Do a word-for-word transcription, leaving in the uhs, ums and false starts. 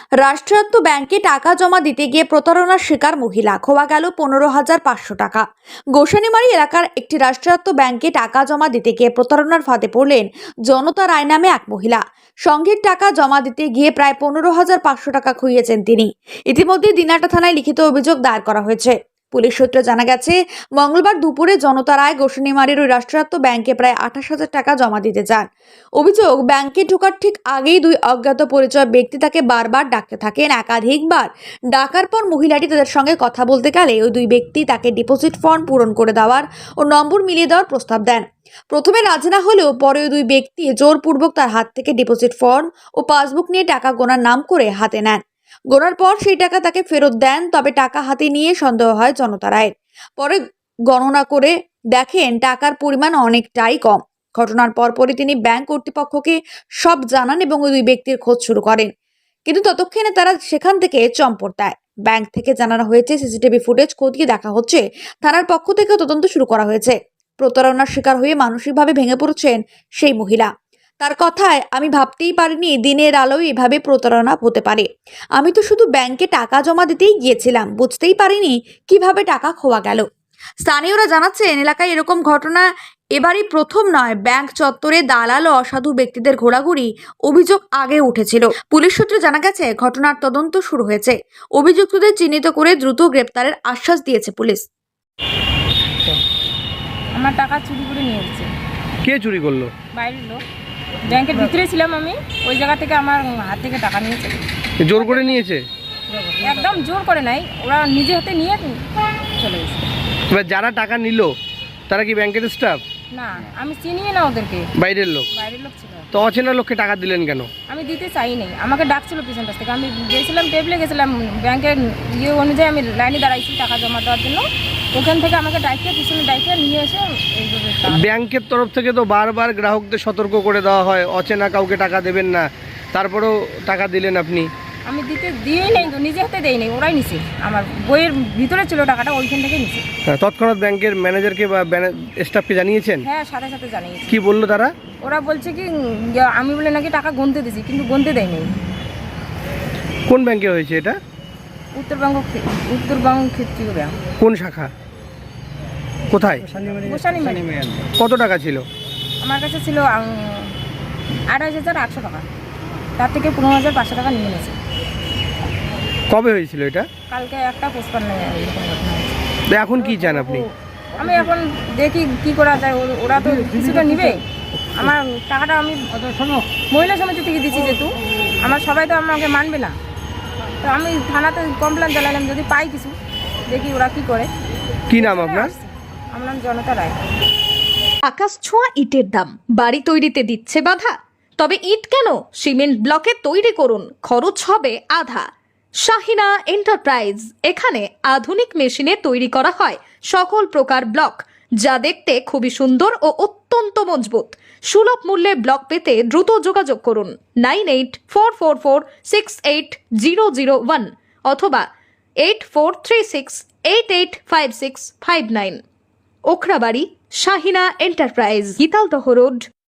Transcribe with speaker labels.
Speaker 1: রাষ্ট্রায়ত্ত ব্যাংকে টাকা জমা দিতে গিয়ে প্রতারণার শিকার মহিলা, খোয়া গেল পনেরো হাজার পাঁচশো টাকা। গোসানিমারি এলাকার একটি রাষ্ট্রায়ত্ত ব্যাংকে টাকা জমা দিতে গিয়ে প্রতারণার ফাঁদে পড়লেন জনতা রায় নামে এক মহিলা। সংঘের টাকা জমা দিতে গিয়ে প্রায় পনেরো হাজার পাঁচশো টাকা খুইয়েছেন তিনি। ইতিমধ্যে দিনাটা থানায় লিখিত অভিযোগ দায়ের করা হয়েছে। পুলিশ সূত্রে জানা গেছে, মঙ্গলবার দুপুরে জনতা রায় গোসানিমারির ওই রাষ্ট্রায়ত্ত ব্যাংকে প্রায় আঠাশ হাজার টাকা জমা দিতে যান। অভিযোগ, ব্যাংকে ঢোকার ঠিক আগেই দুই অজ্ঞাত পরিচয় ব্যক্তি তাকে বারবার ডাকতে থাকেন। একাধিকবার ডাকার পর মহিলাটি তাদের সঙ্গে কথা বলতে গেলে ওই দুই ব্যক্তি তাকে ডিপোজিট ফর্ম পূরণ করে দেওয়ার ও নম্বর মিলিয়ে দেওয়ার প্রস্তাব দেন। প্রথমে রাজি না হলেও পরে ওই দুই ব্যক্তি জোরপূর্বক তার হাত থেকে ডিপোজিট ফর্ম ও পাসবুক নিয়ে টাকা গোনার নাম করে হাতে নেন। গোনার পর সেই টাকা তাকে ফেরত দেন। তবে টাকা হাতে নিয়ে সন্দেহ হয় জনতা রায়ের। পরে গণনা করে দেখেন টাকার পরিমাণ অনেকটাই কম। ঘটনার পরপরই তিনি ব্যাংক কর্তৃপক্ষকে সব জানান এবং ওই দুই ব্যক্তির খোঁজ শুরু করেন। কিন্তু ততক্ষণে তারা সেখান থেকে চম্পট দেয়। ব্যাংক থেকে জানানো হয়েছে, সিসিটিভি ফুটেজ খতিয়ে দেখা হচ্ছে। থানার পক্ষ থেকে তদন্ত শুরু করা হয়েছে। প্রতারণার শিকার হয়ে মানসিকভাবে ভেঙে পড়ছেন সেই মহিলা। তার কথায়, আমি ভাবতেই পারিনি দিনের আলোয় এভাবে প্রতারণা হতে পারে। আমি তো শুধু ব্যাংকে টাকা জমা দিতেই গিয়েছিলাম, বুঝতেই পারিনি কিভাবে টাকা খোয়া গেল। স্থানীয়রা জানাচ্ছেন, এলাকায় এরকম ঘটনা এবারই প্রথম নয়। ব্যাংক চত্বরে দালাল ও অসাধু ব্যক্তিদের ঘোরাঘুরি অভিযোগ আগে উঠেছিল। পুলিশ সূত্রে জানা গেছে, ঘটনার তদন্ত শুরু হয়েছে। অভিযুক্তদের চিহ্নিত করে দ্রুত গ্রেপ্তারের আশ্বাস দিয়েছে পুলিশ।
Speaker 2: আমার টাকা চুরি করে নিয়ে এসেছে।
Speaker 3: কে চুরি করলো?
Speaker 2: বাইরের লোক। ব্যাংকের ভিতরে ছিলাম আমি, ওই জায়গা থেকে আমার হাত থেকে টাকা নিয়েছে।
Speaker 3: জোর করে নিয়েছে?
Speaker 2: একদম জোর করে নাই, ওরা নিজে হাতে নিয়ে চলে গেছে।
Speaker 3: এবার যারা টাকা নিল তারা কি ব্যাংকের স্টাফ?
Speaker 2: না, আমি চিনিই না ওদেরকে।
Speaker 3: বাইরের লোক?
Speaker 2: বাইরের লোক ছিল।
Speaker 3: তো অচেনা লোককে টাকা দিলেন কেন?
Speaker 2: আমি দিতে চাই নাই, আমাকে ডাকছিল পিছন পাশ থেকে। আমি গেছিলাম, টেবিলে গেছিলাম, ব্যাংকের ইয়ে অনুযায়ী আমি লাইনে দাঁড়াইছি টাকা জমা দেওয়ার জন্য। ওখান থেকে আমাকে ডাইকে পিছনে ডাইকে নিয়ে এসে এইভাবে টাকা-
Speaker 3: ব্যাংকের তরফ থেকে তো বারবার গ্রাহকদের সতর্ক করে দেওয়া হয় অচেনা কাউকে টাকা দেবেন না, তারপরেও টাকা দিলেন আপনি।
Speaker 2: আমি দিতে দিয়েই নেই তো, নিজে হাতে দেই নাই, ওরাই নিছে। আমার বইয়ের ভিতরে ছিল টাকাটা, ওইখান থেকে নিছে।
Speaker 3: হ্যাঁ, তৎক্ষণাৎ ব্যাংকের ম্যানেজারকে বা স্টাফকে জানিয়েছেন?
Speaker 2: হ্যাঁ, সাথে সাথে জানিয়েছি।
Speaker 3: কি বললো তারা?
Speaker 2: ওরা বলছে কি যে আমি বলে নাকি টাকা গুনতে দিছি, কিন্তু গুনতে দেয় নাই।
Speaker 3: কোন ব্যাংকে হয়েছে এটা?
Speaker 2: উত্তরবঙ্গ ক্ষে- উত্তরবঙ্গ ক্ষেত্রীয় ব্যাংক।
Speaker 3: কোন শাখা? কোথায়?
Speaker 2: গোসানিমারি।
Speaker 3: কত টাকা ছিল?
Speaker 2: আমার কাছে ছিল আড়াইশ হাজার আটশো টাকা। তার থেকে পনেরো হাজার পাঁচশো টাকা নিয়ে নিয়েছে।
Speaker 3: কবে হয়েছিল এটা?
Speaker 2: কালকে একটা পোস্টপান্ন এরকম ঘটনা হয়েছে।
Speaker 3: তো এখন কি চান আপনি?
Speaker 2: আমি এখন দেখি কি করা যায়। ও- ওরা তো কিছুটা নিবে। আমার টাকাটা আমি মহিলা সমিতি থেকে দিচ্ছি, যেহেতু আমার সবাই তো আমাকে মানবে না। তো আমি থানাতে কমপ্লেন জানালাম, যদি পাই কিছু, দেখি ওরা কি করে।
Speaker 3: কি নাম আপনার?
Speaker 2: আমার নাম জনতা রায়।
Speaker 4: আকাশ ছোঁয়া ইটের দাম বাড়ি তৈরিতে দিচ্ছে বাধা? তবে ইট কেন, সিমেন্ট ব্লকে তৈরি করুন, খরচ হবে আধা। শাহিনা এন্টারপ্রাইজ, এখানে আধুনিক মেশিনে তৈরি করা হয় সকল প্রকার ব্লক, যা দেখতে খুবই সুন্দর ও অত্যন্ত মজবুত। সুলভ মূল্যে ব্লক পেতে দ্রুত যোগাযোগ করুন nine eight four four four six eight zero zero one অথবা eight four three six eight eight five six five nine. Okhrabari, Shahina enterprise, Gitaldaha road,